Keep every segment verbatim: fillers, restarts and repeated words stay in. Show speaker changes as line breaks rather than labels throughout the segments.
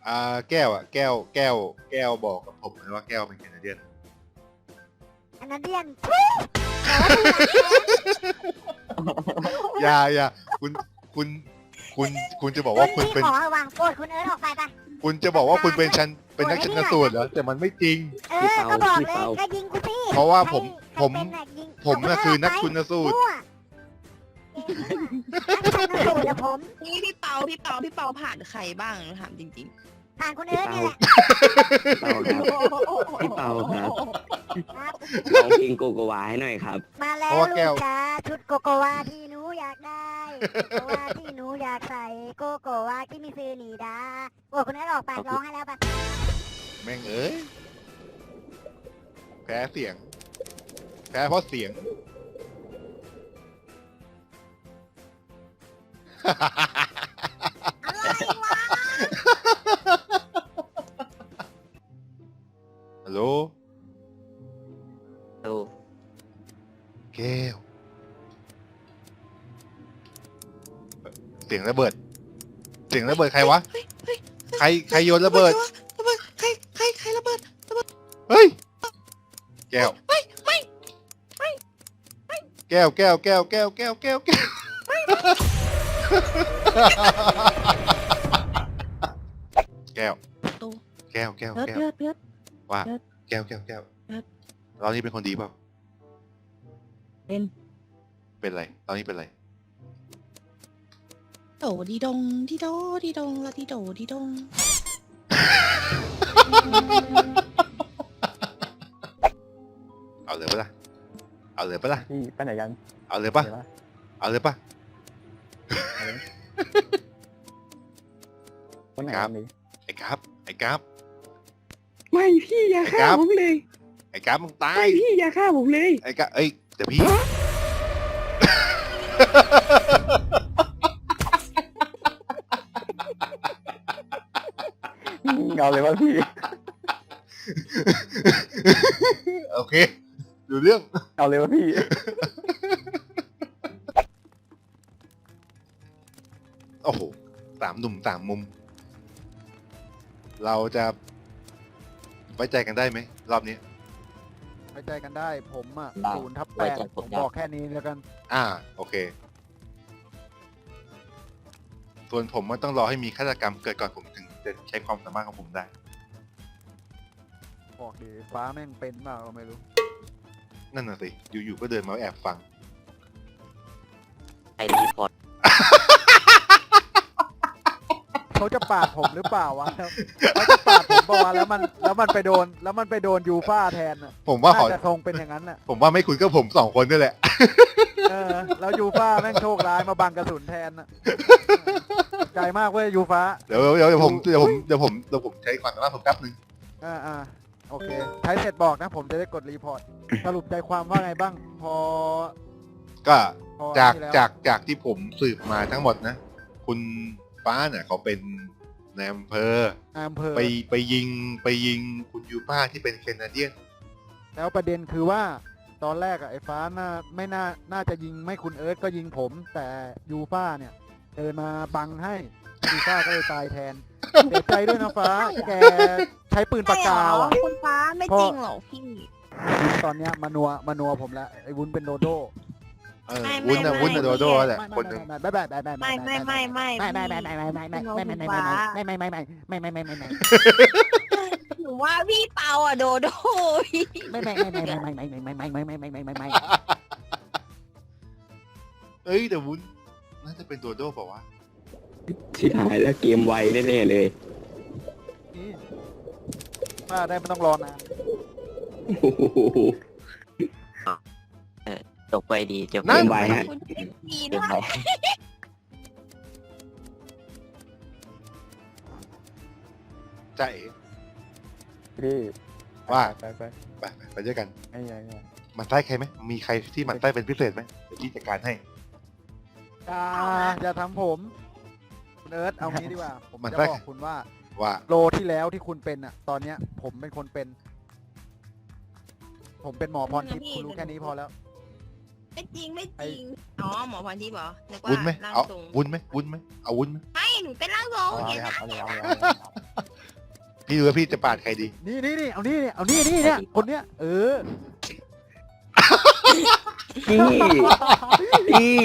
อ่าแก้วอ่ะแก้วแก้วแก้วบอกกับผมนะว่าแก้วเป็นแคนาเดียน
อันนั้นเดียน
อย่าอย่าคุณคุณคุณคุณจะบอกว่าคุณ
พี่
เป็น
ขอวางโกรธคุณเอิร์ธออกไปปะ
คุณจะบอกว่าคุณเป็นชันเป็นนักชันสูตรเหรอแต่มันไม่จริง
เออก็บอกเลยก็ยิงกูสิ
เพราะว่าผม
ใคร
ผม
เป็นน่ะยิง
ผมน่ะคือนักชันสูตร
มั่วนักชันสูตรอะผม
นี่พี่เปาพี่เปาพี่เปาผ่านใครบ้างหนูถามจริง
ผ่านคุณเอิร์ธนี่แหละ
เปาครับพี่เปาครับ
ครับ
ร้องเพลงโกโกวาให้หน่อยครับ
มาแล้ว
เพราะว่าแก้
ลู
ว
กจ้าชุดโกโกวาที่หนูอยากได้โกโกวาที่หนูอยากใส่โกโกวาที่มีซื้อหนีดาโอ้คุณเอิร์ธออกไปร้องให้แล้วปะ
แม่งเอ้ยแพ้เสียง แพ้เพราะเสียง
อะไรวะ
ฮัลโหล
ดู
แก้วเสียงระเบิด เสียงระเบิดใครวะ
ๆเฮ้ยเฮ้ย
ใครใครโยนระเบิด
ระเบิดใครใครใครระเบิด
เฮ้ย แก้ว
ไม่ไม่
แก้วแก้วแก้วแก้วแก้วแก้วแก้วแก้ว
ตู้
แก้วแก้ว
เพิร์ด
แก้ว
เพิร์ดเพิร์ด
ว่า
เพิร์ด
แก้วแก้วแก้ว
เพิร์ด
เรานี่เป็นคนดีเปล่า
เป็น
เป็นไรตอนนี้เป็นไร
โดดีดงดีโดดีดงละดีโดดีดง
เอาเลยปะล่ะเอาเลยปะล่ะ
พี่ไปไหนกัน
เอาเลยปะ
เดี๋ยวนะ
เอาเลยปะ
วันไหน
ครั
กับ นดี
ไอ้กราฟไอ้กราฟ
ไม่พี่อย่า
ไอ้
ฆ่า
ครับ
ผมเลย
ไอ้กราฟมึงตา
ไม่
ย
พี่อย่าฆ่าผมเลย
ไอ้กราฟเอ้ยเดี๋ยวพี่
เอาเลยว่าพี่
โอเคดูเรื่อง
เอาเลยว่าพี่
โอ้โหสามหนุ่มสามมุม เราจะไว้ใจกันได้ไหมรอบนี้
ไว้ใจกันได้ผมอ่ะ
ได้
ศูนย์ทับแป
ไว้
ด
ใจผ
ผม ม
ได้
บอกแค่นี้แล้วกัน
อ่าโอเค ส่วนผมมันต้องรอให้มีฆาตกรรมเกิดก่อนผมถึงจะใช้ความสามารถของผมได้
บอกดีฟ้าแม่งเป็นเปล่าก็ไม่รู้
นั่นน่ะสิ อยู่ๆก็เดินมาแอบฟัง
ไอรีพอร์ต
เขาจะปาดผมหรือเปล่าวะเขาจะปาดผมบอกว่าแล้วมันแล้วมันไปโดน แล้วมันไปโดนยูฟ่าแทนน่ะ
ผมว่าขอ
น่าจะทรงเป็นอย่างนั้นน่ะ
ผมว่าไม่คุยก็ผมสองคนนี่แหละ
เออแล้วยูฟ่าแม่งโชคร้ายมาบังกระสุนแทนน่ะใจมากเว้ยยูฟ่า
เดี๋ยวเดี๋ยวเดี๋ยวผมเดี๋ยวผมเดี๋ยวผมเดี๋ยวผมใช้ความสามารถผมแป๊บนึง
อ่าอ่าโอเคใช้เสร็จบอกนะผมจะได้กดรีพอร์ตสรุปใจความว่าไงบ้าง พอ
ก็
พอ
จาก
นี่แล้ว
จากจากที่ผมสืบมาทั้งหมดนะ คุณฟ้าเนี่ยเขาเป็นนายอำเภอ
อำเภอ
ไปไปยิงไปยิงคุณยูฟ่าที่เป็นแคนาเดียน
แล้วประเด็นคือว่าตอนแรกอะไอ้ฟ้าน่าไม่น่าน่าจะยิงไม่คุณเอิร์ธก็ยิงผม แต่ยูฟ่าเนี่ย เดินมาบังให้ยูฟ่าก็เลยตายแทนเสียใจด้วยนะฟ้า แกใช้ปืนปากกาว่ะ
คุณฟ้าไม่จริงหรอกพี่
วุ้นตอนเนี้ยมานัวมานัวผมแล้วไอ้วุ้นเป็นโดโด
เออ
ไม่
วุ้นนะ
ไม่
วุ้นนะ
ไม่
โดโดแหละ
ไม่
คนหนึ่ง
ไม่ไม่ไม่ไม่ไม่
ไม่ไม่ไม่ไม่
ไม่ไม่ไม่ไม่ไม่ไม่ไม่ไม่ไม่ไม่ไม่ไม่ไม่ไม่ไม่ไม่ไม่ไม่
หนูว่าพี่เปาอ่ะโดโดพี่
ไม่ไม่ไม่ไม่ไม่ไม่ไม่ไม่ไม่ไม่ไม่ไม่ไม่ไม่
เอ้ยแต่วุ้นน่าจะเป็นโดโดเปล่าวะ
ที่หายแล้วเกมไวแน่ๆเลย
นี่ว่าได้ไม่ต้องรอนาน
โอ้โหจบไปดีจบเกมไวฮะ
คุณพี่ดี
เก
ด้
ม
วย
ไว
ใช่
พี่
ว่า
ไปไป
ไปไปไปด้วยกัน
ไอ้ไงไง
หมันไส้ใครไหมมีใครที่หมันไส้เป็นพิเศษไหมเดี๋ยวพี่จัดการให้
อย่าอย่าทำผมคุณเอิร์ธเอางี้ดีกว่า ผม
มัน
จะ
ได้
บอกคุณว่า
ว่า
โลที่แล้วที่คุณเป็นอ่ะ ตอนเนี้ย ผมเป็นคนเป็น ผมเป็นหมอพรทิพย์คุณรู้แค่นี้พอแล้ว
ไม่จริงไม่จริงอ๋อหมอพันทิพย์เหรอนึกว่า
วุ้นไหม
ร่าง
เอา
ทรง
วุ้นไหมวุ้นไหมเอาวุ้นไหม
ไม่หนูเป็นร่างทรง
เอา
เห็
เลย
น
ครับ
ไหม
เอาเลยเอาเลยเอาเลย
พี่ดูว่าพี่จะปาดใครดี
นี่นี่นี่เอานี่นี่เอานี่นี่เนี่ยคนเนี้ยเออ
พี่พี่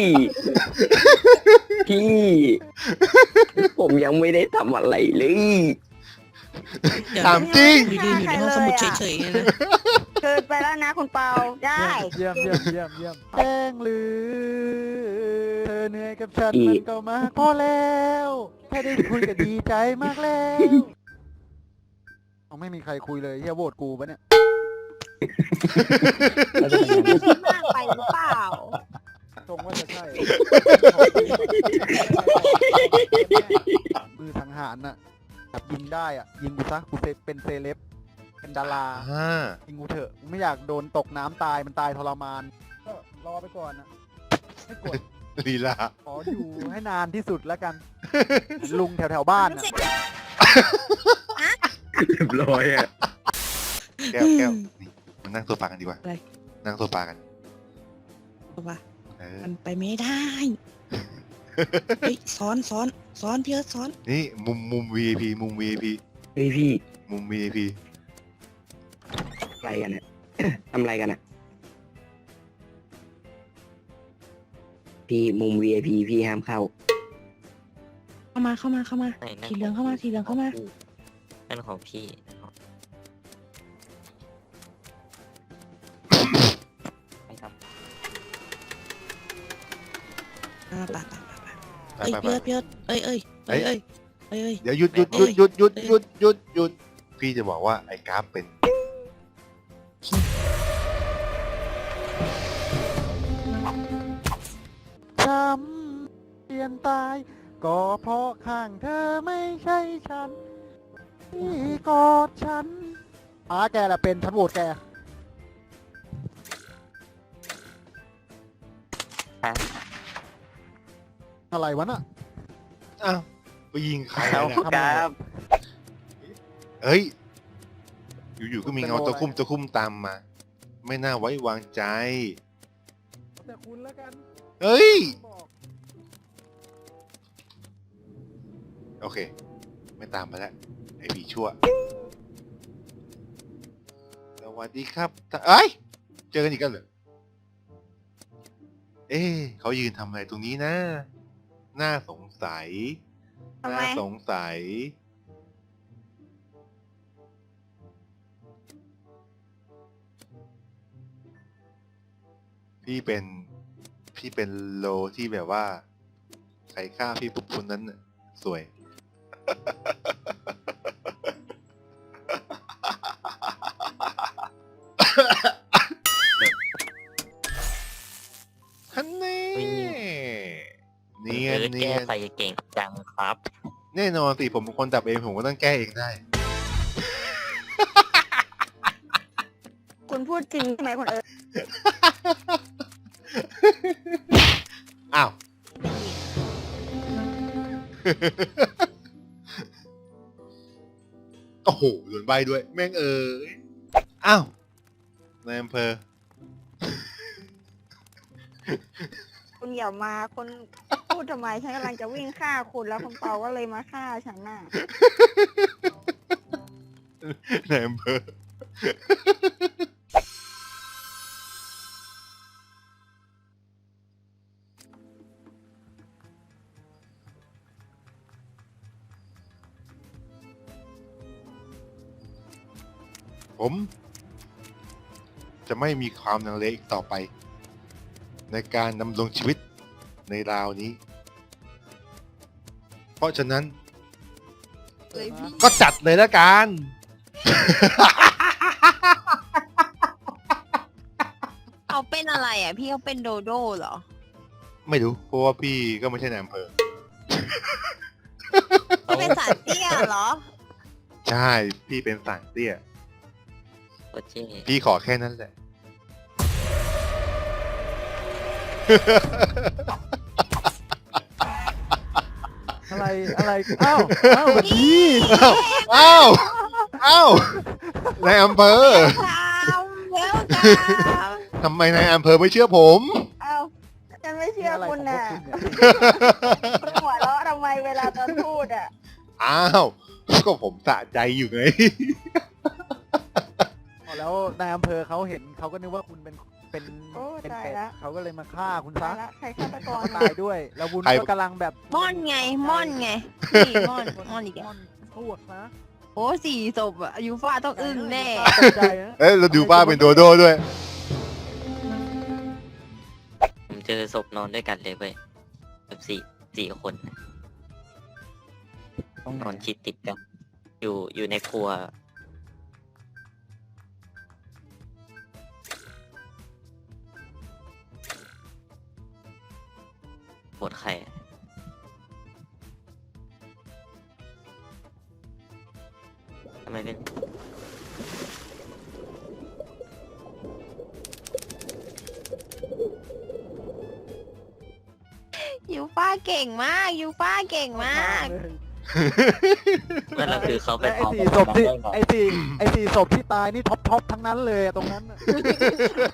พี่ผมยังไม่ได้ทำอะไรเลย
เดี๋ยว
ถามจริง
ยืนอยู่ในห้องสมุดเฉยๆเลย
เกินไปแล้วนะคุณเปาได้
เยี่ยมเยี่ยมเยี่ยมเยี่ยมแจ้งหรือเธอเหนื่อยกับฉันมันก็มากพอแล้วแค่ได้คุยก็ดีใจมากแล้วเอาไม่มีใครคุยเลยเฮียโหวตกูปะเนี่ย
พี่คิดมากไปหรือเปล่า
ตรงว่าจะใช่มือสังหารน่ะแบบยิงได้อ่ะยิงกูซะกูเป็นเซเลบเป็นดารา
อ่า
ยิงกูเถอะกูไม่อยากโดนตกน้ำตายมันตายทรมานก็รอไปก่อนนะไม่กด
ลีลา
ขออยู่ให้นานที่สุดแล้วกัน ลุงแถวแถวๆบ้านน่ะ
เรียบร้อยอ่ะ
แก้วแก้วนี่มานั่งโซฟากันดีกว่า
อะไร
นั่งโซฟากัน
เอาปะ
เออ
มันไปไม่ได้เฮ้ยซ้อนซ้อนซ้อนพี่เอิร์ธซ้อน
นี่มุมมุม วี ไอ พี มุม วี ไอ พี
เฮ้ยพี่
มุม วี ไอ พี
อะไรกันอ่ะ ทำอะไรกันอ่ะพี่มุม วี ไอ พี พี่ห้ามเข้า
เข้ามาเข้ามาเข้ามา
ไหนนั่น
สีเหลืองเข้ามาสีเหลืองเข้ามา
นั่นของพี่ไปครับ
อ่าไปไปไปไป
ไป
เอ้ย
ไปไป
พี่เอิร์ธพี่เอิร์ธเอ้ยเอ้ยเอ้ยเอ้ยเอ้ยเอ้ย
เดี๋ยวหยุดหยุดหยุดหยุดหยุดหยุดหยุดหยุดพี่จะบอกว่าไอ้กราฟเป็น
จำเปลี่ยนตายก็เพราะข้างเธอไม่ใช่ฉันที่กอดฉันอาแกแหละเป็นฉันโหวตแกอะไรวะน่ะ
อ้าวไปยิงใคร
เอา
นะ
ครับ
เฮ้ย อยู่ๆก็มีเงาตะคุ่มตะคุ่มตามมา ไม่น่าไว้วางใจ
แต่คุณแล้วกัน
เฮ้ย
บอก
โอเค ไม่ตามมาแล้ว ไอ้ผีชั่ว สวัสดีครับเอ้ย เจอกันอีกแล้วเหรอ เอ๊ะเขายืนทำอะไรตรงนี้นะ น่าสงสัย
ทำไม
น่าสงสัย พี่เป็น พี่เป็นโลที่แบบว่า ใครฆ่าพี่ปุ๊บคนนั้นน่ะสวย ฮันเน่เนียนเนี
แก้
ยน
ไฟเก่งจังครับ
แน่นอนสิผมเป็นคนดับเองผมก็ต้องแก้เองได้
คุณพูดจริงใช่ไหมคุณเอิร์ธ
อ้าว โอ้โหโดนใบด้วย แม่งเอ๋ยอ้าวนายอำเภอ
คุณอย่ามาคุณพูดทำไมฉันกำลังจะวิ่งฆ่าคุณแล้วคุณเปาก็เลยมาฆ่าฉันน่ะ
นายอำเภอ ผม จะไม่มีความลังเลอีกต่อไป ในการดำรงชีวิตในราวนี้ เพราะฉะนั้น
เลยพี่
ก็จัดเลยแล้วกัน
เขาเป็นอะไรอ่ะพี่เขาเป็นโดโด้เหรอ
ไม่รู้ เพราะว่าพี่ก็ไม่ใช่นายอำเภอ
เขาเป็นสารเตี้ยเหรอ
ใช่ พี่เป็นสั่งเตี้ย
โอเค
พี่ขอแค่นั้นแหละ
อะไรอะไรอ้าวอ้าวแบบนี้
อ้าว อ้าว นายอำเภอ
ทำแล้วกัน
ทำไมนายอำเภอไม่เชื่อผม
เอ้าฉันไม่เชื่อ
อะไร
คุณ
ของพว
น่ะ
กคุณเนี่ย
คุณหัวเราะทำไมเวลาตอนพูดอ่ะ
อ้าวก็ผมสะใจอยู่ไง
แล้วนายอำเภอเขาเห็นเขาก็นึกว่าคุณเป็นเป็น
โอ้
เป็น
ตาย
เป็ด
ละ
เขาก็เลยมาฆ่าคุณ
ตา
ซะ
ยละใครฆาตก
เขา
ร
ก็ตายด้วย แล้ววุ้น
ใคร
ก็กำลังแบบ
ม่อนไง ม่อนไงพี่ม่อนม่อนอีก
ม่
อะ
อนพวกนะ
โอ้สี่ศพอะยูฟ่าต้องอึ้งแน่
ตกใจนะ
เอ้ยเราดูบ้าเป็นโดโด้ด้วย
ผมเจอศพนอนด้วยกันเลยเว้ยแบบสี่สี่คนน่ะ
ต้อง
นอนชิดติดกัน อยู่อยู่ในครัวปวดไข่ทำไมเป็น
ยูฟ่าเก่งมาก ยูฟ่าเก่งมาก
นั่นแหละคือเขาไป
และไอ้
พร้อม
สี่ศพที่ไอ้สี่ไอ้สี่ศพที่ตายนี่ท็อปท็อปทั้งนั้นเลยอะตรงนั้นน่ะ